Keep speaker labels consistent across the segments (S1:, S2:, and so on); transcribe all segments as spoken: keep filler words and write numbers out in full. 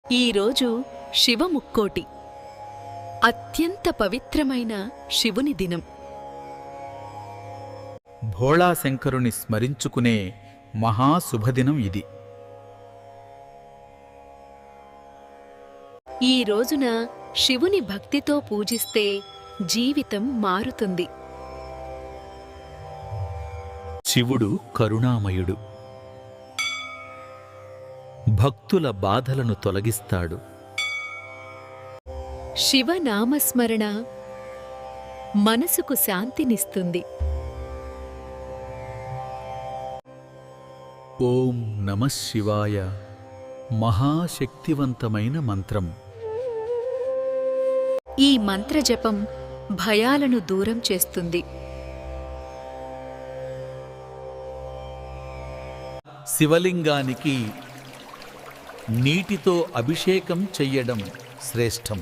S1: ఈరోజు శివముక్కోటి, అత్యంత పవిత్రమైన శివుని దినం.
S2: భోళాశంకరుని స్మరించుకునే మహాశుభదినం ఇది.
S1: ఈ రోజున శివుని భక్తితో పూజిస్తే జీవితం మారుతుంది.
S2: శివుడు కరుణామయుడు, భక్తుల బాధలను తొలగిస్తాడు.
S1: శివనామస్మరణ మనసుకు శాంతినిస్తుంది.
S2: ఓం నమః శివాయ మహాశక్తివంతమైన మంత్రం.
S1: ఈ మంత్రజపం భయాలను దూరం చేస్తుంది.
S2: శివలింగానికి నీటితో అభిషేకం చెయ్యడం శ్రేష్టం.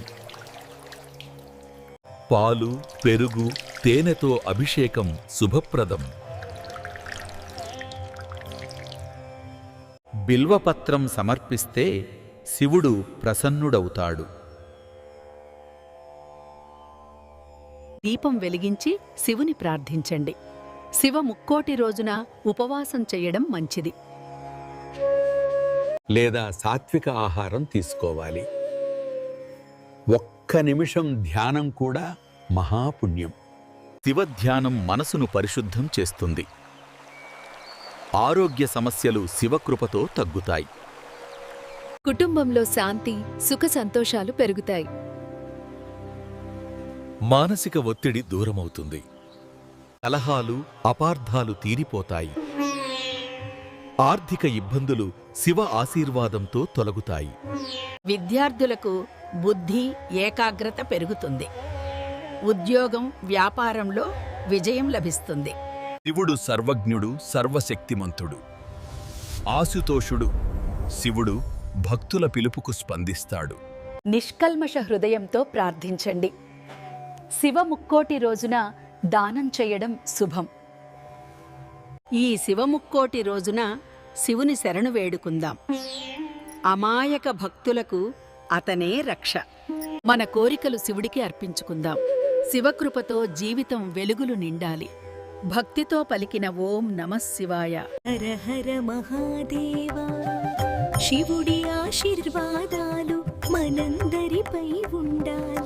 S2: పాలు, పెరుగు, తేనెతో అభిషేకం శుభప్రదం. బిల్వపత్రం సమర్పిస్తే శివుడు ప్రసన్నుడవుతాడు.
S1: దీపం వెలిగించి శివుని ప్రార్థించండి. శివ ముక్కోటి రోజున ఉపవాసం చెయ్యడం మంచిది.
S3: లేదా సాత్విక ఆహారం తీసుకోవాలి. ఒక్క నిమిషం ధ్యానం కూడా మహాపుణ్యం.
S2: శివధ్యానం మనసును పరిశుద్ధం చేస్తుంది. ఆరోగ్య సమస్యలు శివకృపతో తగ్గుతాయి.
S1: కుటుంబంలో శాంతి, సుఖ సంతోషాలు పెరుగుతాయి.
S2: మానసిక ఒత్తిడి దూరమవుతుంది. కలహాలు, అపార్థాలు తీరిపోతాయి. ఆర్థిక ఇబ్బందులు శివ ఆశీర్వాదంతో తొలగుతాయి.
S4: విద్యార్థులకు బుద్ధి, ఏకాగ్రత పెరుగుతుంది. ఉద్యోగం, వ్యాపారంలో విజయం లభిస్తుంది.
S5: శివుడు సర్వజ్ఞుడు, సర్వశక్తిమంతుడు. ఆశుతోషుడు శివుడు భక్తుల పిలుపుకు స్పందిస్తాడు.
S1: నిష్కల్మష హృదయంతో ప్రార్థించండి. శివ ముక్కోటి రోజున దానం చేయడం శుభం.
S4: ఈ శివముక్కోటి రోజున శివుని శరణు వేడుకుందాం. అమాయక భక్తులకు అతనే రక్ష. మన కోరికలు శివుడికి అర్పించుకుందాం. శివకృపతో జీవితం వెలుగులు నిండాలి. భక్తితో పలికిన ఓం నమః శివాయ.
S6: హర హర మహాదేవా, శివుడి ఆశీర్వాదాలు మనందరిపై ఉండాలి.